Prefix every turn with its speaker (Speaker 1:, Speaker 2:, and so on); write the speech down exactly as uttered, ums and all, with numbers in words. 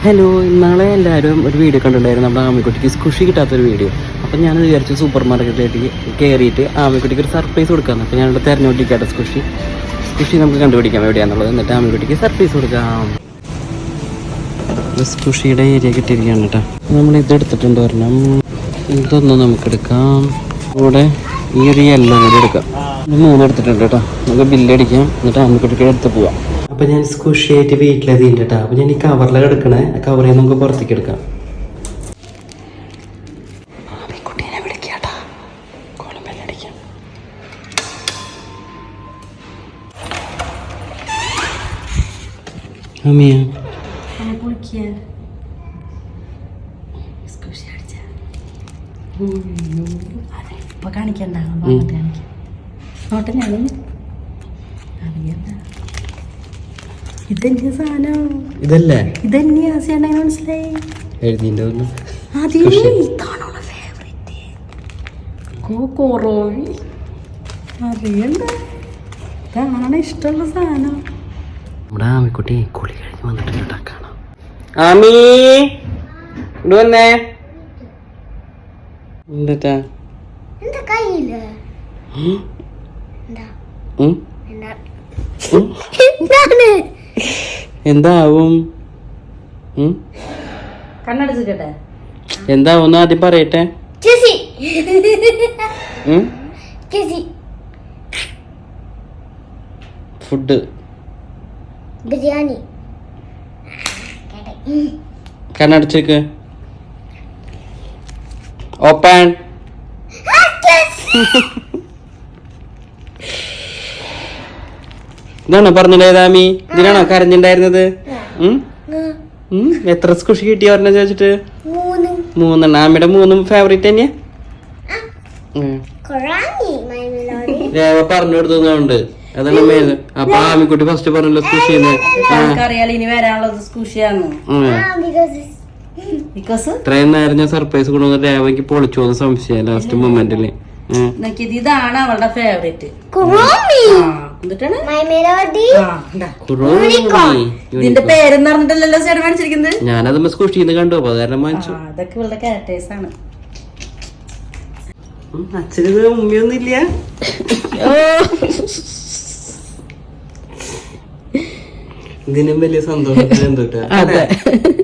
Speaker 1: Hello, ഇന്നാളെ എല്ലാവരും ഒരു വീഡിയോ കണ്ടിട്ടുണ്ടായിരുന്നു നമ്മുടെ ആമിക്കുട്ടിക്ക് സ്കുഷി കിട്ടാത്തൊരു വീഡിയോ. അപ്പം ഞാൻ വിചാരിച്ചു സൂപ്പർ മാർക്കറ്റിലേക്ക് കയറിയിട്ട് ആമിക്കുട്ടിക്ക് ഒരു സർപ്രൈസ് കൊടുക്കാമെന്ന്. അപ്പോൾ ഞാനിവിടെ തിരഞ്ഞുകൊണ്ടിരിക്കട്ടെ സ്കുഷി സ്കുഷി നമുക്ക് കണ്ടുപിടിക്കാം എവിടെയാണെന്നുള്ളത്. എന്നിട്ട് ആമിക്കുട്ടിക്ക് സർപ്രൈസ് കൊടുക്കാം. സ്കുഷിയുടെ ഏരിയ കിട്ടിയിരിക്കുകയാണ് കേട്ടോ. നമ്മൾ ഇതെടുത്തിട്ടുണ്ട് പറഞ്ഞാൽ ഇതൊന്നും നമുക്കെടുക്കാം. ഇവിടെ ഈ ഒരു യെല്ലോ കൂടി എടുക്കാം. മൂന്ന് എടുത്തിട്ടുണ്ട് കേട്ടോ. നമുക്ക് ബില്ലടിക്കാം, എന്നിട്ട് ആമിക്കുട്ടിക്ക് എടുത്ത് പോവാം. അപ്പം ഞാൻ സ്കുഷിയായിട്ട് വീട്ടിലെത്തിയിട്ട് കേട്ടോ. അപ്പം ഞാൻ ഈ കവറിലാണ് എടുക്കണേ. ആ കവറിൽ നിന്ന് നമുക്ക് പുറത്തേക്ക് എടുക്കാം. ആമിക്കുട്ടീനെ വിളിക്കാട്ടാ, കോളം ബെല്ലടിക്കാം. അമ്മിയ
Speaker 2: ഇപ്പൊ കാണിക്കണ്ട, ഇതെന്താ സാധനം?
Speaker 1: ഇതല്ലേ
Speaker 2: ഇതെന്നെയാ ചെയ്യണ്ടെങ്കിൽ മനസ്സിലായി.
Speaker 1: എഴുതിൻ്റെ
Speaker 2: ഇതാണോളെ ഫേവറേറ്റ് കോറോവി. അറിയണ്ട, ഇതാണ് ഇഷ്ടമുള്ള സാധനം.
Speaker 1: നമ്മുടെ ആമിക്കുട്ടി കുളി കഴിഞ്ഞ് വന്നിട്ടുണ്ട്. കാണാം. ആമി ഇവിടെ വന്നേ. എന്താ എന്താവും
Speaker 2: കണ്ണടച്ചിട്ടെ
Speaker 1: എന്താവും ആദ്യം പറയട്ടെ. ഫുഡ്
Speaker 3: ബിരിയാണി.
Speaker 1: കണ്ണടച്ചേക്ക്. ഓപ്പൺ. ഇതാണോ പറഞ്ഞില്ലേതാമി? ഇതിനാണോ കരഞ്ഞിണ്ടായിരുന്നത്? എത്ര സ്കുഷി കിട്ടിയ പറഞ്ഞ ചോദിച്ചിട്ട്? മൂന്നെണ്ണം. ആമിയുടെ മൂന്നും ഫേവറേറ്റ് തന്നെയാ. രേവ പറഞ്ഞു കൊടുത്തതുകൊണ്ട് അതാണ് മെയിൻ. അപ്പൊ ആമിക്കുട്ടി ഫസ്റ്റ് പറഞ്ഞല്ലോ സ്കുഷിന്ന്.
Speaker 2: ഇനി വരാനുള്ളത് സ്കുഷിയാന്ന്.
Speaker 1: ഇത്രയും നേരം ഞാൻ സർപ്രൈസ് കൊണ്ടുവന്ന രേവയ്ക്ക് പൊളിച്ചു പോകുന്ന സംശയം ലാസ്റ്റ് മൊമെന്റില്.
Speaker 2: ഇതാണ് അവളുടെ ഫേവറേറ്റ്. ഇതിന്റെ പേരെന്ന് പറഞ്ഞിട്ടല്ലോ ചേട്ടൻ മേടിച്ചിരിക്കുന്നത്.
Speaker 1: ഞാനത് സ്കുഷിന്ന് കണ്ടു, അപ്പൊ കാരണം വാങ്ങിച്ചു.
Speaker 2: അതൊക്കെ ഇവളുടെ ക്യാരക്ടേഴ്സ് ആണ്.
Speaker 1: അച്ഛന് ഉമ്മയൊന്നുമില്ല. ഇതിനും വലിയ സന്തോഷത്തിന് എന്തോട്ടാ.